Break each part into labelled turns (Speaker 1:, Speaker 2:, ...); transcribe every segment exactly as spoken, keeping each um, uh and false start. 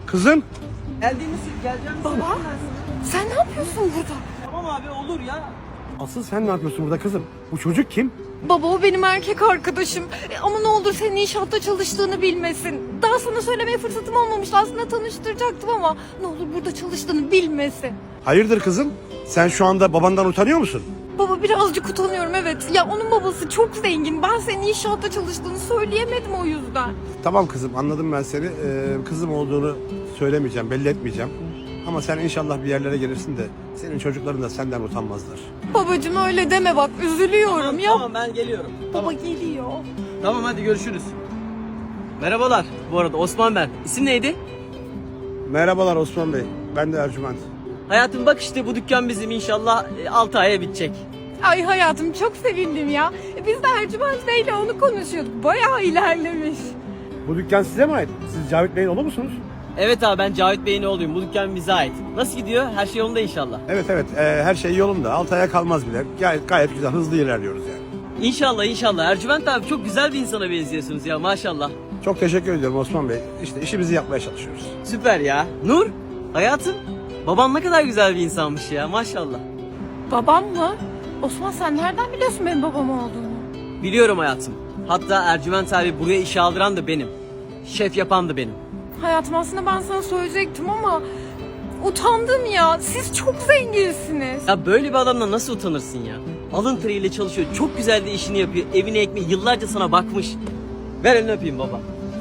Speaker 1: Kızım.
Speaker 2: Geldiğimiz geleceğimiz.
Speaker 3: Baba, sen ne yapıyorsun burada?
Speaker 2: Tamam abi olur ya.
Speaker 1: Asıl sen ne yapıyorsun burada kızım? Bu çocuk kim?
Speaker 3: Baba o benim erkek arkadaşım. E, ama ne olur senin inşaatta çalıştığını bilmesin. Daha sana söylemeye fırsatım olmamıştı. Aslında tanıştıracaktım ama ne olur burada çalıştığını bilmesin.
Speaker 1: Hayırdır kızım? Sen şu anda babandan utanıyor musun?
Speaker 3: Baba birazcık utanıyorum evet. Ya onun babası çok zengin. Ben senin inşaatta çalıştığını söyleyemedim o yüzden.
Speaker 1: Tamam kızım, anladım ben seni. Ee, kızım olduğunu söylemeyeceğim, belli etmeyeceğim. Ama sen inşallah bir yerlere gelirsin de senin çocukların da senden utanmazlar.
Speaker 3: Babacığım öyle deme bak üzülüyorum
Speaker 2: Tamam,
Speaker 3: ya.
Speaker 2: tamam ben geliyorum.
Speaker 3: Baba geliyor.
Speaker 2: Tamam hadi görüşürüz. Merhabalar. Bu arada Osman ben. İsim neydi?
Speaker 1: Merhabalar Osman Bey, ben de Ercüment.
Speaker 2: Hayatım bak işte bu dükkan bizim inşallah altı aya bitecek.
Speaker 3: Ay hayatım çok sevindim ya. E, Biz de Ercüment Bey'le onu konuşuyorduk. Bayağı ilerlemiş.
Speaker 1: Bu dükkan size mi ait? Siz Cavit Bey'in oğlu musunuz?
Speaker 2: Evet abi ben Cavit Bey'in oğluyum. Bu dükkan bize ait. Nasıl gidiyor? Her şey yolunda inşallah.
Speaker 1: Evet evet, ee, her şey yolunda. Altı aya kalmaz bile. Gayet, gayet güzel, hızlı ilerliyoruz yani.
Speaker 2: İnşallah inşallah. Ercüment abi çok güzel bir insana benziyorsunuz ya maşallah.
Speaker 1: Çok teşekkür ediyorum Osman Bey. İşte işimizi yapmaya çalışıyoruz.
Speaker 2: Süper ya. Nur, hayatım. Baban ne kadar güzel bir insanmış ya maşallah.
Speaker 3: Babam mı? Osman sen nereden biliyorsun benim babam olduğunu?
Speaker 2: Biliyorum hayatım. Hatta Ercüment abi buraya işe aldıran da benim. Şef yapan da benim.
Speaker 3: Hayatım aslında ben sana söyleyecektim ama utandım ya. Siz çok zenginsiniz.
Speaker 2: Ya böyle bir adamla nasıl utanırsın ya? Alın teriyle çalışıyor. Çok güzel de işini yapıyor. Evine ekmeği yıllarca sana bakmış. Ver elini öpeyim baba.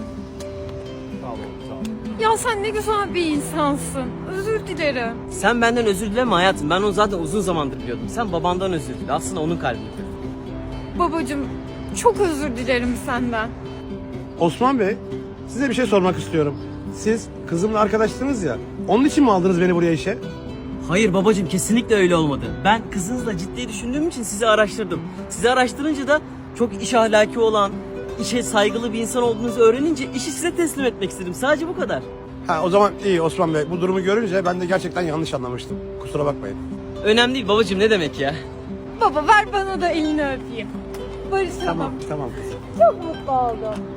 Speaker 3: Ya sen ne güzel bir insansın. Özür dilerim.
Speaker 2: Sen benden özür dileme hayatım. Ben onu zaten uzun zamandır biliyordum. Sen babandan özür dile. Aslında onun kalbini kırdın.
Speaker 3: Babacığım çok özür dilerim senden.
Speaker 1: Osman Bey, size bir şey sormak istiyorum. Siz kızımla arkadaştınız ya, onun için mi aldınız beni buraya işe?
Speaker 2: Hayır babacığım kesinlikle öyle olmadı. Ben kızınızla ciddi düşündüğüm için sizi araştırdım. Sizi araştırınca da çok iş ahlaki olan, işe saygılı bir insan olduğunuzu öğrenince işi size teslim etmek istedim. Sadece bu kadar.
Speaker 1: Ha, o zaman iyi Osman Bey. Bu durumu görünce ben de gerçekten yanlış anlamıştım. Kusura bakmayın.
Speaker 2: Önemli değil babacığım ne demek ya?
Speaker 3: Baba ver bana da elini öpeyim. Barışalım.
Speaker 1: Tamam, tamam kızım.
Speaker 3: Çok mutlu oldum.